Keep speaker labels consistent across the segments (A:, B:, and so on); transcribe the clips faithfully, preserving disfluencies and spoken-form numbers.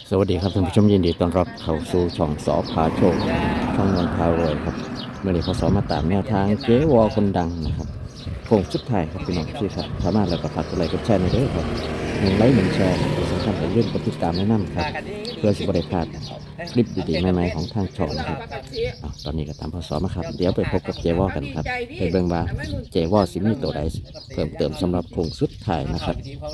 A: สวัสดีครับท่านผู้ชมยินดีต้อนรับเข้าสู่ช่องสอพาโชคช่องนนทารวยครับเมื่อนี้พอสอมาตามแนวทางเจ๊วอคนดังนะครับโค้งสุดท้ายครับพี่น้องที่ครับสามารถแล้วก็ฝากกดไลค์กดแชร์ในเด้อครับหนึ่งไลค์หนึ่งแชร์ที่สำคัญเป็นเรื่องกดติดตามแนะนำครับเพื่อสิบได้พลาดคลิปดีๆใหม่ๆของทางช่องนะครับอ้าวตอนนี้ก็ตามพอสอมาครับเดี๋ยวไปพบกับเจ๊วอกันครับไปเบิ่งว่าเจ๊วอสิมีตัวใดเพิ่มเติมสำหรับโค้งสุดท้ายนะครับ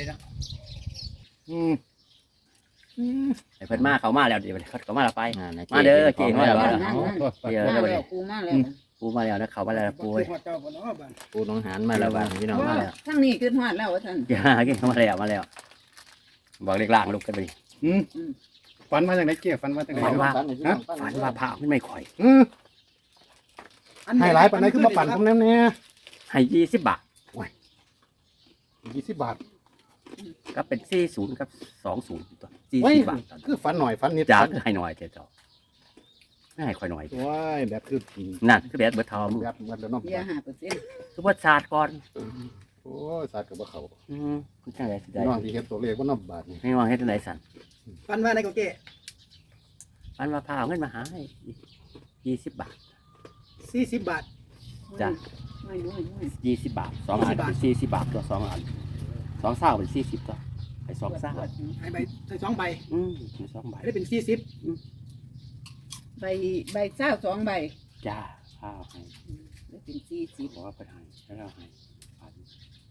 B: อืมไอ้เพิ่นมาเขามาแล้วเดี๋ยวเขาเขามาแล้วไป
A: อ่ใน
B: มาเด้อเจ๊มาแล้ว
A: มา
B: มา
A: แล้
B: แล้ว วเดี๋ยว
C: มา
B: เดี๋ยว
C: แล้วกูมาแล้ว
B: ปูมาแล้วนะเขามาแล้วนะปูเอ้ย
A: ปูน้องหานมาแล้วบ้างพี่น้อง
B: มาแล้ว
C: ทั้งนี้ขึ้นฮอดแล้วว่าท่าน
B: อย่ากินเขามาแล้วมาแล้วบอกเล็กล่างลุกกันไปดิ
D: อืมฝันมาจากไหนเกี่ยฝันมาจากไหน
B: ฝันว่า
D: ฮะ
B: ฝันว่าพระมันไม่ค่อย
D: อืมให้หลายปันไหนขึ้นมาปั่นผมแน่แน่
B: ให้ยี่สิบบาท
D: ยี่สิบบาท
B: ก็เป็นสี่ศูนย์กับสองศูนย์ตัวสี่
D: ไว้
B: สิบบาท
D: คือฝันหน่อยฝันนิด
B: จ้าคือให้หน่อยเจ้าเจ้าไม่ให้ค่อยหน่อย
D: ว้ายแบบคือ
B: นั่นคือแบบเบิดทอมือ
D: แบบเหมือนแล้วเนาะ
C: เบียร์ห้าเปอร์เซ็นต์
B: คือว่าศาสตร์ก่อน
D: โอ้ยสัตว์กับเขา
B: อืมคุณช่างไรสิได้
D: น้องที่เห็นตัวเลขว่านับบาทนี่
B: ให้วางให้ตัวไหนสั่น
E: ฟันว่าในโกเก้
B: ฝันว่าพาเอาเงินมาหาให้ยี่สิบบาท
E: สี่สิบบาท
B: จ้ะ
C: ไม่รู้ไม่รู้
B: ยี่สิบบาทสองอันเป็นสี่สิบบาทตัวสองอันสองเศร้าเป็นสี่สิบตัวไอ้สองเศร้า
E: ให้ใบใส่สองใบ
B: อืมมีสองใบ
E: ได้เป็นสี่สิบ
C: ใบใบเศร้าสองใบ
B: จ้าข้าวให้
C: ได้เป็นสี่สิบ
B: บอกว่าไปให้แล้วเราให้พัน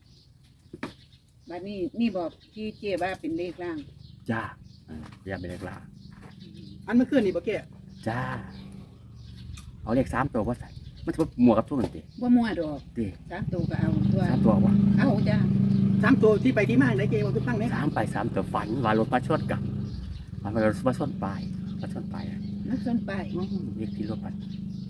C: บัดนี้นี่บอกที่เจ๊ว่าเป็นเลขล่าง
B: จ้าอ่าอย่าเป็นเลขลา
E: อันเมื่อคืนนี่โกเก้
B: จ้าเอาเลขสามตัวว่าใส่มันจะหมวกกับทุกมันตี
C: ว่ามั่วดอก
B: ตี
C: สามตัวก็เอาตัว
B: สามตัววะ
C: เอาจ้า
E: สามตัวที่ไปที่มาไหนเก้ว่าคือตั้งไหม
B: สามไปสามตัวฝันว่ารถมาชนกับฝันว่ารถมาชนปลายมาชนปลายอะ
C: นักส่วนไป
B: อืมเลขที่รถพัน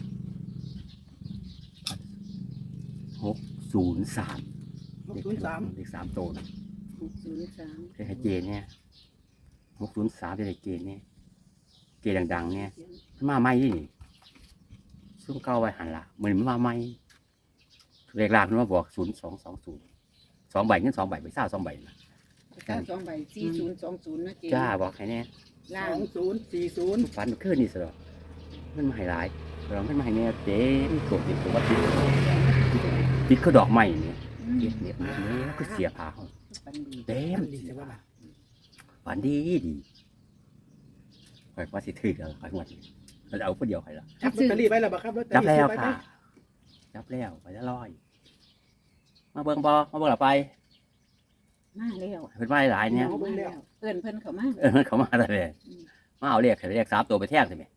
B: พันหกศูนย์สาม
E: หกศูนย์สาม
B: เลขสามตัวนะ
C: หกศูนย์สาม
B: เลขเจนเนี่ยหกศูนย์สามเลขเจนเนี่ยเจนดังๆเนี่ยมันมาไม่ยี่นี่ซุ่มเก้าไว้หันละเหมือนมันมาไม่เลขลางมันมาบอกศูนย์สองสองศูนย์สองใบเงินสองใบไปเศร้าสองใบนะ
C: เก้าสองใบสี่ศูนย์สองศูนย์นะเจ๊
B: จ้าบอกใครเนี่ย
E: ส
C: ล่า
E: อง งศูนย์สี่ศูนย์
B: ฟันมันขึ้นนี่สิหรอมันมาให้ร้ายเราไม่มาให้เนี่ยเจ๊มันโกรธติดตัวว่าติดติดเขาดอกไม้เนี่ย
C: อืม
B: เด็ดเนี่ยเนี่ยก็เสียผาเขา
C: ปันดี
B: เต็ม
E: ดีแต่ว่า
B: ฝันดีดีคอยว่าสิถือกันคอยหมดเราจะเอาคนเดียวใครละ
E: จับลอตเตอรี่ไว้แล้วบ่ครับลอตเตอ
B: จับ
E: รี่
B: แล้ว
E: ซื้อไว้ไหม
B: ค่ะ จับแล้วไปจะลอย มาเบิ่งบอมาเบิ่งหลับไป
C: มาแล้ว
B: เพิ่นมาหลายเนี่ย
C: มาแล้วเอิ้นเพิ่นเข้ามา
B: เออเขามาแต่เลยมาเอาเรียกเรียกสามตัวไปแท่งสิแม่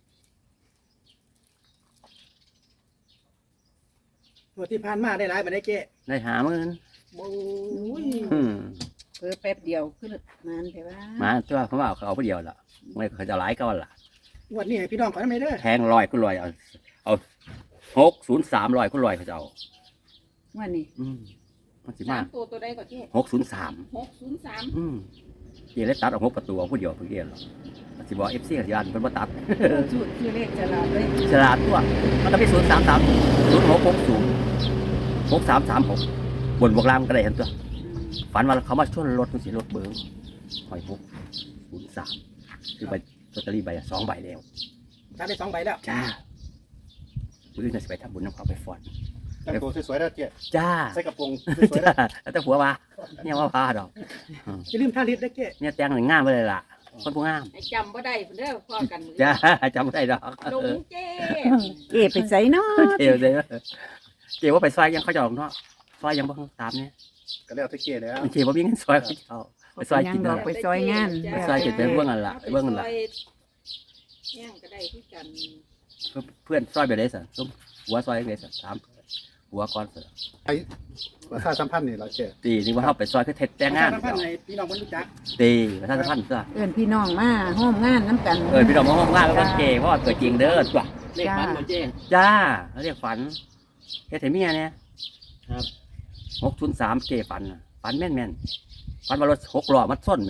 E: ตัวที่ผ่านมาได้หลายบันไดเก้
B: ได้หาเงิน
E: โอ้ย
B: อืม
C: เพิ่นแป๊บเดียวขึ้นนานแต่ว่า
B: มาตัวเขามาเอาเขาเอาผู้เดียวละไม่เขาจะหลายก็ล่ะ
E: งวดนี้ให้พี่น้องขอทำไมเด้อ
B: แทงลอยก็ลอยเอาเอาหกศูนย์สามลอยก็ลอยเขาจะเอา
C: ว่านี่
B: อืมมันสิ
F: สาม
B: าม
F: ตัวตัวใดก็เจ๊
B: หกศูนย์สาม
F: หกศูนย์สาม
B: อืมเจเลยตัดเอาหกประตูเอาผู้เดียวผู้เดียวหรอกมันสิบอกเอฟซีกับยานเป็นว่าตัด
C: สูตรคือเลขฉลาดเลย
B: ฉลาดตัวมันก็มีศูนย์สามสามศูนย์หกหกศูนย์หกสามสามหกบนบวกล่างก็ได้เห็นตัว ฝันว่าเขามาชนรถมันสิรถเบิ้งหอยหกศูนย์สามคือใบลอตเตอรี่ใบละสองใบแล้ว
E: จับได้สองใบแล้ว
B: จ้าผู้อื่นจะสิไปทำบุญน้ำเขาไปฟอน
D: แต่งตัวสวยๆแล้วเกี่ย
B: จ้า
D: ใส่กระโปรงสวยๆ
B: จ้า
D: แล้ว
B: แต่ผัวว่าเนี่ยว่าพาดอก
E: อย่าลืมท่าลิตรได้เก้
B: เนี่ยแต่งหนึ่งงามไปเลยล่ะ คนผู้งาม
F: ให้จำบ่ได้เพิ่นเด้อพ่อกันมือ
B: จ้าจำไม่ได้ดอก
F: หลงเจ๊
C: เก็บไปใส่เนาะ
B: เจียวเลยเจียวว่าไปซอยยังเขาจะออกเนาะซอยยังบ้างตามเนี่ย
D: ก็แล้วที่เกี่ยแล้ว
B: เจียวว่ามีเงินซอยเขาจะเอาไปซอย
C: ยั
B: กิ
C: ง
B: น
C: ด
B: นั่
C: อน ก
B: แหละ
C: ไปซอยงาน
B: ไปซอยกินไปเบื้องนั่นล่ะไปเบื้องนั่นล่ะ
F: ย่างก็ได้ที่กัน
B: เพื่อนซอยไปเลยสิส้มหัวซอยเลยสิถามหัวก่อนสิ
D: ราคาสัมพันธ์นี่เราเกี่ย
B: ตีนี่ว่าเขาไปซอยคือเท็ดแต่งงาน
E: ประชสัมพันธ์ให้พี่น้องคนรู้จัก
B: ตีประชาสัมพันธ์ซะ
C: เอิ้นพี่น้องมาห้อมงานน้ำกัน
B: เออพี่น้องมาห้องงานแล้วก็เจเพราะว่าเกิดจริงเด้อจ้ะ
C: เลขฝันบ่เจ๊
B: จ้าเขาเรียกฝันเฮ็ดให้เมียเนี่ยครับหกศูนย์สามเจฝันน่ะฝันแม่นแม่นฝันว่ารถหกล้อมาส้นไหม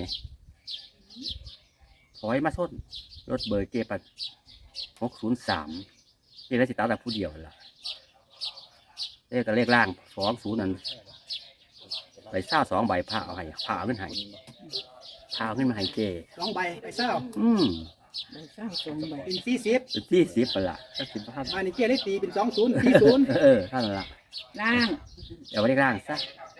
B: ถอยมาส้นรถเบอร์เจปันหกศูนย์สามเจแล้วสิตาแต่ผู้เดียวล่ะเลขกับเลขล่างสองศูนย์นั่นไปเศร้าสองใบผ้าเอาให้ผ้าเอาขึ้นให้พาขึ้นมาให้เจ
E: สองใบไปเศร้า
B: อืม
C: ใบเศร้าสองใบ
E: เป็นสี่สิบ
B: เป็นที่สิบละก็สิบพัน
E: บ้านนี้เจ๊ได้ตีเป็นสองศูนย์สี่ศูนย์
B: เออท่านละ
C: ล่าง
B: เดี๋ยวไปเรียกร่างซะ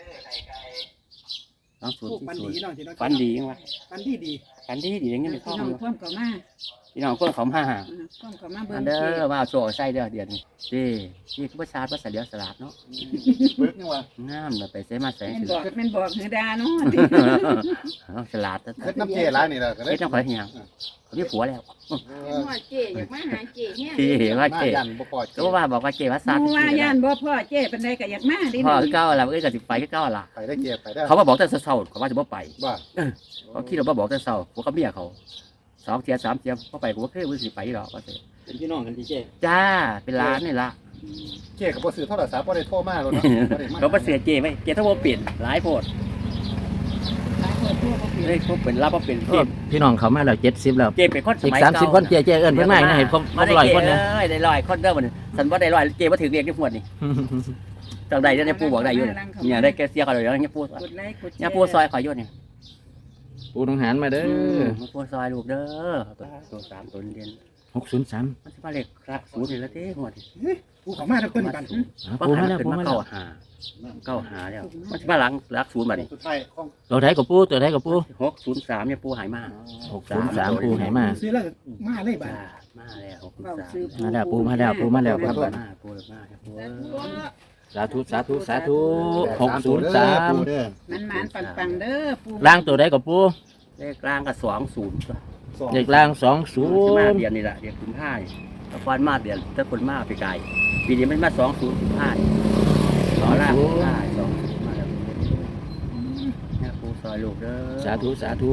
B: สองศูนย์
E: โอ้ฟัน
B: ศู
E: ดี
B: นย์
E: เนาะที่น้อง
B: ฟันดียังวะ
E: ฟันดีดี
B: ฟันดีดีอย่างเงี้ยไม่
C: พี่
B: ท้อง
C: น้อง
B: อยู่
C: พ่วงเขามา
B: พี่น้องเพื่อนเขามา
C: อ่าพ่วงเขามาเบิ่
B: อั
C: ง
B: นเด้
C: เจ๊
B: อว่าโซ่ใส่เด้อเดือนนี้ดีนี่คือภาษาภาษาเดียวสลัดเนาะ
D: เบิกนี่ว่า
B: งามเลยไปเสมาใส่
C: แม่น
B: สิ
C: บอกแม่นบอกเฮือดาเนาะ
B: เอาสลัด
D: เฮ็ดน้ำเจร้านนี่แหละก็เลย
B: เฮ็ดต้องขอให้ยังเขามีผัวแล้ว
F: หัวเจ๊อยากมาหาเจ๊เนี่ย
B: ที่เห็นว่า
D: มา
B: เจ๊
D: ยันบ่พอ
B: ก็ว่าบอกว่าเจ๊ภาษา
C: หมู่ว่าย่านบ่พ่อเจ๊เป็นไดก็อยากมาดิ
B: พ่อคือเก้าละเอ้ยก็สิไปคือเก้าละ
D: ไปได้เกียร์ไปได้
B: เขามาบอกแต่เช้าๆเขาว่าจะบ่ไป
D: ว่า
B: เขาคิดว่าบ่บอกแต่เช้าพวกเขาเมียเขาสองเทียสามเทียบ่ไปกูบ่เคยว่าสิไปหรอกว่าสิ
A: เป็นพี่น้องกันที่เจ๊
B: จ้าเป็นร้านนี่ละ
D: เกียร์กับบ่ซื้อโทรศัพท์บ่ได้โทรมาแล้วเนาะบ่ได้มา
B: เขาบ่เสียเจ๊ไว้เจ๊ถ้าบ่เปลี่ยนหลายโพด
C: หลายคนทั่วบ่เปลี่ยน
B: เฮ้ยเขาเป็นรับบ่เป็น
A: โอ้
B: เจ๊
A: พี่น้องเขามาแล้วเจ็ดสิบแล้ว
B: เจ๊เป็นคนส
A: อีก
B: มัย
A: สามสิบ
B: เก่า
A: คนเจ๊เจ๊เอิ้นเพิ่นมาอีกนะเห็นครบคร
B: มา
A: บ
B: ได้
A: ร้อย
B: เจ๊
A: คนนะ
B: เอ้ยได้ร้อยคนเด้อบัดนี้สันบ่ได้ร้อยเจ๊บ่ถึงเรียกที่หมวดนี่จังใดเนี่ยปู่บอกได้อยู่นี่เนี่ยได้แกเสียเขาเลยเนี่ยปู่
C: กดไลค์กดแชร์
B: เนี่ยปู่ซอยขอยอยู่นี่
A: ปูน้องหานมาเด้อ
B: มาปู่ซอยลูกเด้อตัวสามตัวเรียน
A: หกศูนย์สาม
B: มันสิมาเลขครับศูนย์นี่ละเด้หมด
E: กูเขามาทั้งต้นกัน
A: ปูมาแล้ว
B: ขึ้น
A: ปู
B: มา
A: มาแล้
B: เก้าว หาเก้าหาแล้วมันสิมาหลังหลักศูนย์บัดนี้
D: สุดท้ายของ
A: เราได้กับปูตัวได้กับปู
B: หกศูนย์สามเนี่ยปู่หายมา
A: หกศูนย์สามปูไหมา
E: ซื้อแล้วมาเลยบ้า
B: จ้ามาแล้วหกศูน
C: เว้า
B: ย์สาม
C: ซื้อ
A: มาแล้วปูมาแล้วปูมาแล้วครับ
B: มาปู่มาครับปู่
A: สาธุสาธุสาธุหกศูนย์สาม
D: เด้อ
C: มันหมานปังๆเด้อปู่
A: ล่างตัวได้กับปู
B: เลขกลางก็สองศูนย์
D: สอง
A: เด็กล่างสองศู
B: สิมาน
A: ย์
B: เดือนนี่แหละเดือนกุมภาพันธ์ตะกอนมาเดือนตะคนมาไปไกลปีนี้มันมาสองศูนย์กุมภาพันธ์สองล่างกุมภาพันธ์สองศูนย์มาแล้วเนี่ยปู่ซอยลูกเด้อ
A: สาธุสาธุ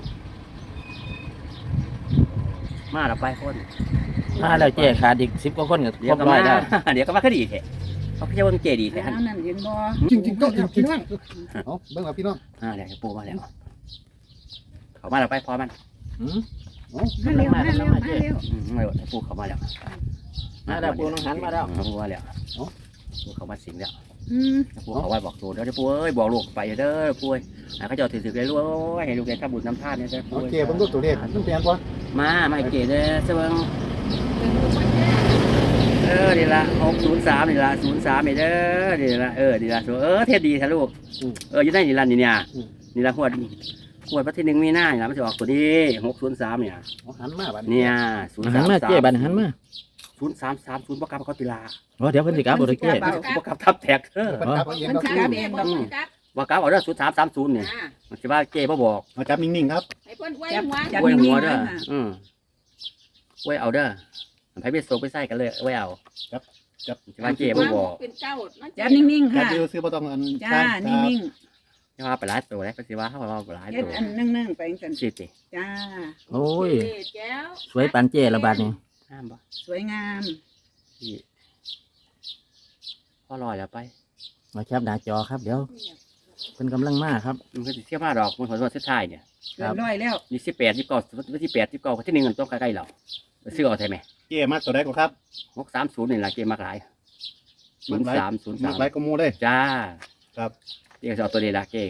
B: มาแล้วไปคน
A: มาแล้วเจ๊ขาดอีกสิบกว่าคนกับ
B: เดี๋
A: ค
B: ย
A: ร
B: ว
A: บ
B: ก็
A: ร้อ
B: มาย
A: แล้ว
B: เดี๋ยวก็มาคดีแท้เขาพี่เจ้าว่ามันเจดีแท้
C: แล้วนั่นเห็นบ่
D: จริงๆก็จริงๆว่าเอาเบิ่งเอาพี่น้อง
B: อ่าเดี๋ยวปู่มาแล้วเขามาแล้วไปพอมัน
A: หืม
C: มาเร็วมาเร็วมาเร็ว
B: อืมไม่หมดปู่เขามาแล้ว
A: มาแล้วปูน้องหันมาแล้ว
B: ปู่มาแล้วปู่เขามาสิงแล้ว
C: อืม
B: ปู่เขาไว้บอกตัวเด้อปู่เอ้ยบอกลูกไปเด้อปู่ให้เขาเจ้าถือถือเลยลูกให้ลูกได้ทำบุญทำทานเนี่ยเด้อปู่
D: โอเคเบิ่งดูตัวเลขมันเปลี่ยนบ่
B: มาไม่เก๋เด้อเสบิงเออนี่ละหกศูนย์สามนี่ละศูนย์สามนี่เด้อนี่ละเออนี่ละเออเทศดีท่าลูกเอออยู่ได้นี่ละนี่เนี่ยนี่ละขวดขวดพระที่หนึ่งมีหน้านี่ละมันจะออกตัวนี้หกศูนย์สามเนี่ย
D: เอาหันมาบัด
B: เนี่ยศูนย์
A: หั
B: สาน ม
A: มา
B: สาม
A: เจ๊บันหันมา
B: ศูนย์สามสามศูนย์ประกับเขาติลา
A: โอ้เดี๋ยวเพิ่นสิกลับบ่ได้เจ๊
B: ประกับทับแท็กเออ
D: เพิ่นจับเอาเอง
C: มัน
D: ครับ
C: สิกลับเองดอก
F: จับ
B: ว่ากับเอาเด้อศูนย์สามสามศูนย์เนี่ย
F: อ่า
B: มันจะว่าเจ๊บ่บอก
D: เอาจับนิ่งๆครับ
F: ให้เพิ่นไว้
C: จับ
F: หัว
C: จับ
B: ไว้หั
C: นิ่
B: ว
C: งๆ
B: เด้อ
C: นะ
B: อืมไว้เอาเด้อไปไปโซไปใส่กันเลยไว้เอา
D: จับ
B: จะว่าเจ๊บ่บอก
F: เป็นเจ้ามัน
C: จับนิ่งๆ
D: จับ
C: ค่ะ
D: อยู่ซื้อบ่ต้องอัน
C: จ้านิ่ง
B: จะว่าไปหลายตัวแล้วก็สิว่าเขาว่าไปหลาย
C: ๆเฮ็ด
B: ตัว
C: อันนึ่งๆไปจังซั่น
B: สิติ
C: จ้า
A: โอ้ย
F: แก้ว
A: สวยปานเจ๊ละบาดนี้
B: ห้ามบ่
C: สวยงาม
B: ที่พอลอยแล้วไป
A: มาแคปหน้าจอครับเดี๋ยวเพิ่นกำลังมาครับ
B: มันก็สิเที่ยวมาดอกมันผลวันสุดท้ายเนี่ย
C: เกินร้อยแล้ว
B: ยี่สิบแปดยี่สิบเก้าวันที่แปดยี่สิบเก้าที่หนึ่งมันต้องใกล้ๆเราไปซื้อเอาใช่ไหม
D: เก้มักตัวใดก็ครับ
B: หกสามศูนย์นี่แหละเกมมากหลายศูนย์สามศูนย์
D: มั
B: สาก ม
D: หลายก็หมู่เด้
B: จ้า
D: ครับ
B: เรียกเอาตัวนี้ละเก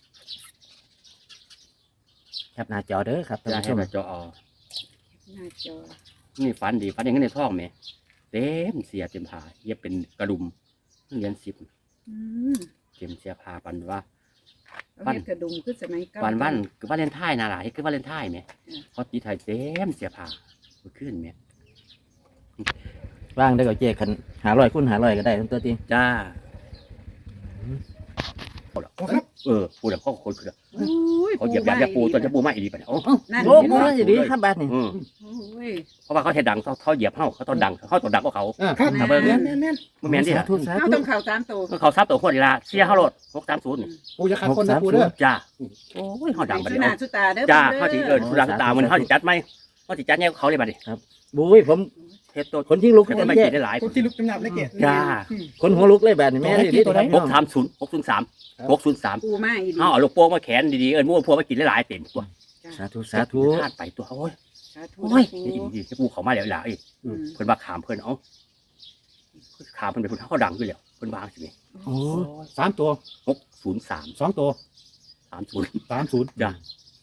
A: แคปหน้าจอเด้อครับท่าน
B: จ้า
A: ผู้ช
B: ให้
A: ม
B: มาจอเอา
C: หน้าจอ
B: นี่ฝันดีฝันอย่างนี้ในท้องไหมเต็มเสียเต็มผาเย็บเป็นกระดุมเหรียญสิบ
C: อืม
B: เต็มเสียผาปันว่า
C: เอาเฮ็ดกระดุมคือสมัยเก่า
B: ปันวันคือวาเลนไทน์นะหลายคือวาเลนไทน์ไหม
C: อืม
B: เขาตีไทยเต็มเสียผาขึ้นไหม
A: ว่างได้ก็เจ๊คันหาร้อยคูณหาร้อยก็ได้ทั้งตัวที
B: จ้า
E: โอ้ครับ
B: เออปูแบบเขาคนคือ
C: อุ้ย
B: เขาเหยียบยาจะปูตัวจะปูไม่อีดีไปเนี่ยโอ้
C: นั่น
A: โอ้
C: เห็น
A: โห
C: บ่
A: สิดีครับบาดนี้
B: อืม
C: โอ้ย
B: เพราะว่าเขาเทดังเขาเขาเหยียบเขาเขาต้องดังเขาต้องดังกว่าเขา
D: อ่า
E: ครับ
B: ถ้าเบิ่ง
E: แน่นแน่นแน่น
B: บ่แม่นดิ
A: สาธุสา
C: เอา
A: ธุ
C: ต้องเข้าตามตัว
B: เขาซับตัวคนดีละเสียเขาโลดหกสามศูนย์
D: ปูจะขาดคนนะปูเด้อ
B: จ้าโอ้ยเขาดังบัด
C: สุ
B: นี้
C: นาสุตาเด้อ
B: จ้า
C: ด้
B: เขาจีเออสุดาตามันเขาจีจัดไหมเขาจีจัดเนี่ยเขาเลยบัดนี้
A: บุ้ยผม
B: เฮ็ดตัว
A: คนที่ลุก
B: เฮ็ด
A: เล
B: ตัว
A: ย
B: ไม่
A: เจ๊
B: กินได้หลาย
E: คนที่ลุกจำนับเลยเกศ
B: จ้า
A: คนหัวลุกเลยแบบนี้แม่นดี
D: ตัวใด
B: หกสามศูนย์หกศูนย์สามหกศูนย์สาม
C: ปูมาอีดี
B: เขาเอาลูกโป่งมาแขนดีๆเอิ้นมั่วพวกมากินได้หลายเต็มตัว
A: สาธุสาธุ
B: พลาดไปตัวโอ้ย
C: สาธุ
B: โอ้ยนี่ดีๆปูเขามาแล้วหลาย
C: อืม
B: เพิ่นว่าขามเพิ่นเอ้าขามเพิ่นเป็นคนเขาดังอยู่แล้วเพิ่นวางสิ
A: โอ้
D: สามตัว
B: หกศูนย์สาม
D: สองตัว
B: สามศูนย์
D: สามศูนย์
B: จ้า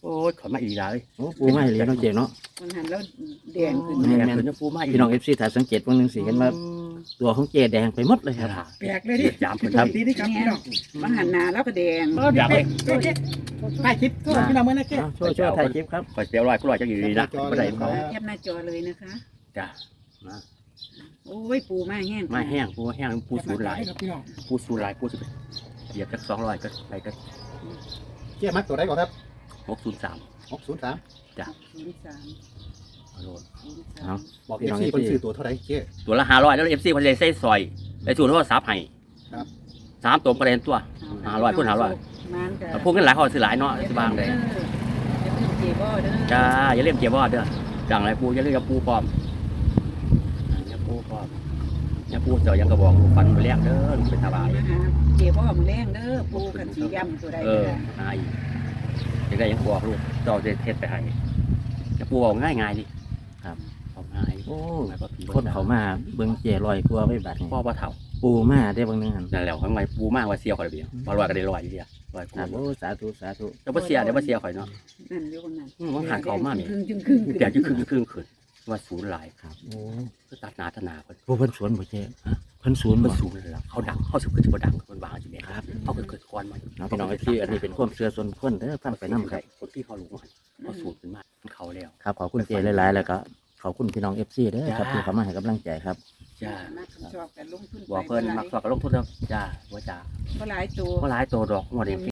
B: โอ้ยขอมาอีกแล้ว
A: โอ้ปูไม่เหลียเนาะเจ๊เนาะ
C: มันหันแล้วแดงขึ้น
A: แม่
B: แม่
A: น
B: นเป็นปูมาอีก
A: พี่น้องเอฟซีถ่ายสังเกตวันหนึ่งสิเห็นว่าตัวของเจแดงไปหมดเลยครับ
E: แปลกเลยดิ
B: ยาม
E: พี่
B: เพิ่น
E: น้องดีนี่ครับพี่น้อง
C: มันหันหน้าแล้วก็แดง
E: เออเดี๋ยวไปเจ๊เจ๊ถ่ายคลิปโทษพี่น้องเมื่อนะเจ๊
A: เอาช่วยช่วยถ่ายคลิปครับ
B: คอยเสียร้อยก็ร้อยจังอยู่ดีนะบ่ได้เขา
C: แคปหน้าจอเลยนะคะ
B: จ้ะมา
C: โอ้ยปูมาแห้ง
B: มาแห้งปูแห้งปูสูนหลาย
E: ครับพี่น้อง
B: ปูสูนหลายปูสิเหยียบจักสองร้อยก็ไปก็
D: เจ๊มักตัวได้ก่อนครับ
B: หกศูนย์สาม
D: หกศูนย์สาม
C: ศูนย์สาม
B: เอาโลด
C: ศูนย์สา
A: เอา
C: ม
D: บอกเอฟซีคนซื้อตัวเท่าไหร่เจ๊
B: ตัวละห้าร้อยแล้วเอฟซีคนเลยใส่ซอยไปสูนโทรศัพท์ให้
D: ครับ
B: สามตัวประเด็นตัวห้าร้อยพูดห้าร้อย
C: มันก็
B: แต่พวกนั้นหลายเขาซื้อหลายเนาะสิบางเลย
C: อย่าลืมเจบ่เด้อ
B: จ้าอย่าเล่นเกียร์บอดเด้อจังไรปูอย่าเล่นกับปูปลอมอย่าปูปลอมอย่าปูเจาะยังกระบอกลูกฟันไปเลี้ยงเด้อลูกเป็นตาบาย
C: มาหาเจบ่มาแรงเด้อปูกันสีดำตัวใด
B: เอ
C: ก็
B: อ
C: ได้
B: หาอีกจะได้ยังบอกลูกเจ้าจะเทศไปให้จะปูเอาง่ายง่ายๆดิ
A: ครับ
B: เอาง่าย
A: โอ้
B: ง่ายกว่าผี
A: คนเขามาเบิ่งเจลอยกลัวไว้บัดนี้
B: พ่อพ่อเฒ่า
A: ปูมาได้บางนึงหัน
B: นั่นแหละข้างในปูมากกว่าเสียข่อยเดียวพอลอยก็ได้ลอยอยู่เดียวลอยกู
A: ครับโอ้สาธุสาธุ
B: แล้วพ่เสียเดี๋ยวพ่เสียข่อยเนาะ
C: นั่นอยู่คนนั้น
B: อืมมันหันเขามากนี่
C: ครึ่งจึงครึ่ง
B: เดี๋ยวจะครึ่งครึ่งขึ้นว่าศูนย์หลาย
A: ครับโอ้
B: ก็ตัดหนาทนาคน
A: ปูเพิ่นสวนบ่เจ๊ฮะเพิ่นสวน
B: มั
A: บ่
B: นศูนย์เลยล่ะเขาดังเขาสุดคือจะดังคนบางสิแม่ครับเขาเกิดเกิดก้อนมัน
A: เอาพี่น้องเอฟซีอันนี้เป็นความเชื่อส่วนบุคคลเด้อฟังไปนํครับ
B: คนที่เขารู้มันเขาสูตรขึ้นมาเขาแล้ว
A: ครับขอบคุณเจหลายๆแล้วก็ขอบคุณพี่น้องเอฟซีเด้อครับที่เขามาให้กำลังใจครับ
B: จ้า
C: นักชอบกันลงทุน
B: บอกเพิ่นมักสอบกับลงทุนแล้วจ้าว่าจ้า
C: ก็หลายตัว
B: ก็หลายตัวดอกงวดนี้